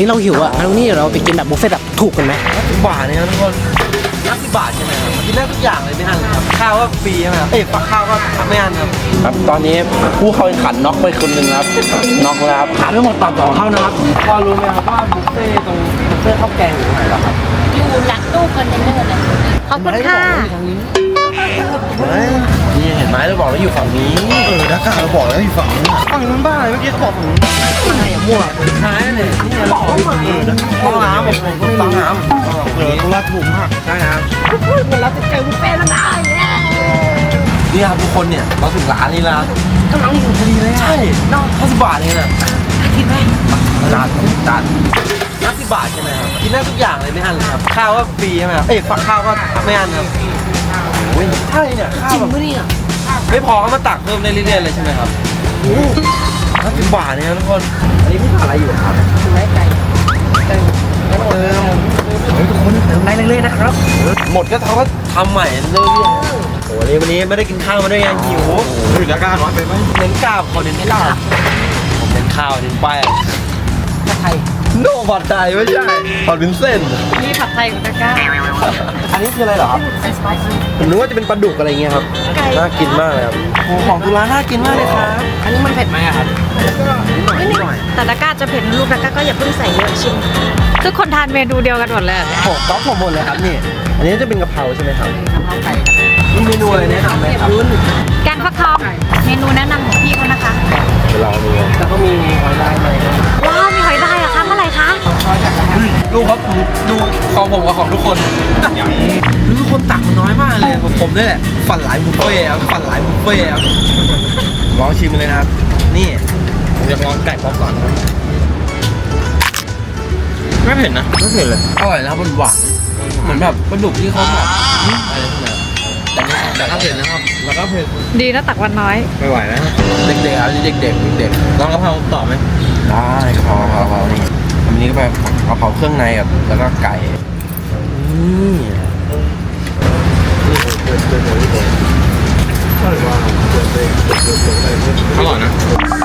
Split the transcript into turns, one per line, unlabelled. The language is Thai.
นี้เราหิวอ่ะงั้นวันนี้เดี๋ยวเราไปกินแบบบุฟเฟ่ต์แบบถูกกันไหม
50 บาทเนี่ยทุกคน50 บาทใช่ไหมครับกินได้ทุกอย่างเลยไม่อั้นเลยครับข้าวก็ฟรีใช่ไหมครับปักข้าวก็ไม่อั้นครับครับตอนนี้ผู้เข้าแข่งขันน็อกไปคนหนึ่งครับน็อกแล้วครับขาดไม่หมดปรับ2เข้านะครับพอรู้ไหมครับว่าบุฟเฟ่ตรงบุฟเฟ่ข้าวแกงอยู่ตรงไหนเหรอครับ
อยู่หลังตู้คอนเทนเนอร์เลยขอบคุณค่ะ
นี่เห็นไหมเราบอกแล้วอยู่ฝั่งนี้นักข่าวเราบอกแล้วอยู่ฝั่งนี้ฝั่งนู้นบ้าเมื่อกี้เขาบอกฝั่งนู้นอะไรอย่างมั่วหายเลยนี่บอกว่าฝั่งนี้ต้องน้ำผมก็ไม่รู้น้ำตรงละถูกมากใช่ครับ
เหมือนเราจะเจอบุฟเฟ่ต์แล้วนะ
นี่ครับทุกคนเนี่ยเราถึงร้านนี้แล้ว
กำลังอยู่พอดีเลย
ใช่50 บาทเองนะ
คิดไหม
จาน50 บาทใช่ไหมครับกินได้ทุกอย่างเลยไม่อั้นเลยครับข้าวก็ฟรีใช่ไหมครับฝักข้าวก็ไม่อั้นครับโอ้ยใช่เนี่ยข้าว
จริง
แบบ
ปะเนี่ย
ไม่พอก็มาตักเพิ่มได้เรื่อยๆเลยใช่ไหมครับโอ้50 บาทเนี่ยทุกคนอันนี้พี่ทำอะไรอยู่ครับ
ไก่ไก่
ทุกคนเติมได้เรื่อยๆนะครับหมดก็เขาก็ทำใหม่เรื่อยๆโอ้โหวันนี้ไม่ได้กินข้าวมาด้วยไงหิวอยู่จะกล้าน้อยไปไหมเน้นกล้าขอเน้นกล้าผมเน้นข้าวเน้นแป้ง
ผัดไทย
โน่ผัดไทยไม่ใช่ผัดวินเส้น
นี่ผัดไทยของตะกร้า
อันนี้คืออะไรเหรอครับ
สไปซี่
ผมนึกว่าจะเป็นปลาดุกอะไรเงี้ยครับ
ไก่
น่ากินมากเลยครับโอ้ของตุลาน่ากินมากเลยครับ
อันนี้มันเผ็ดไหมอะครับ
นิดหน่อย
แต่ตะกร้าจะเผ็ดลูกตะกร้าก็อย่าเพิ่งใส่เยอะชิมทุกคนทานเมนูเดียวกันหมดเลย
ผมก๊อฟผมหมดเลยครับนี่ อันนี้จะเป็นกะเพราใช่ไหมครับ
กะเพราไก่
มีเมนูอะไรแนะนำไหมครับ
แกงฟักทองเมนูแนะนำของพี่เขานะคะ
เรามีแล้วก็มีหอยลายไหม
ว้าวมีหอยได้เหรอคะเมื่อไหร่คะ
ดูครับดูของผมกับของทุกคนทุกคนตักมันน้อยมากเลยผมนี่แหละฝันหลายบุฟเฟ่ครับฝันหลายบุฟเฟ่ครับลองชิมเลยนะครับ นี่ผมอยากลองไก่ป๊อปก่อนครับไม่เผ็ดนะไม่เผ็ดเลยอร่อยนะครับมันหวานเหมือนแบบปลาดุกที่เขาแบบอะไรพวกนี้แต่ก็เผ็ดนะครับแล้วก็เผ็ด
ดีนะตักวันน้อย
ไม่ไหวแล้วเด็กๆครับเด็กๆลองกะเพราต่อไหมได้กะเพรานี่อันนี้ก็แบบกะเพราเครื่องในกับแล้วก็ไก่นี่อร่อยนะ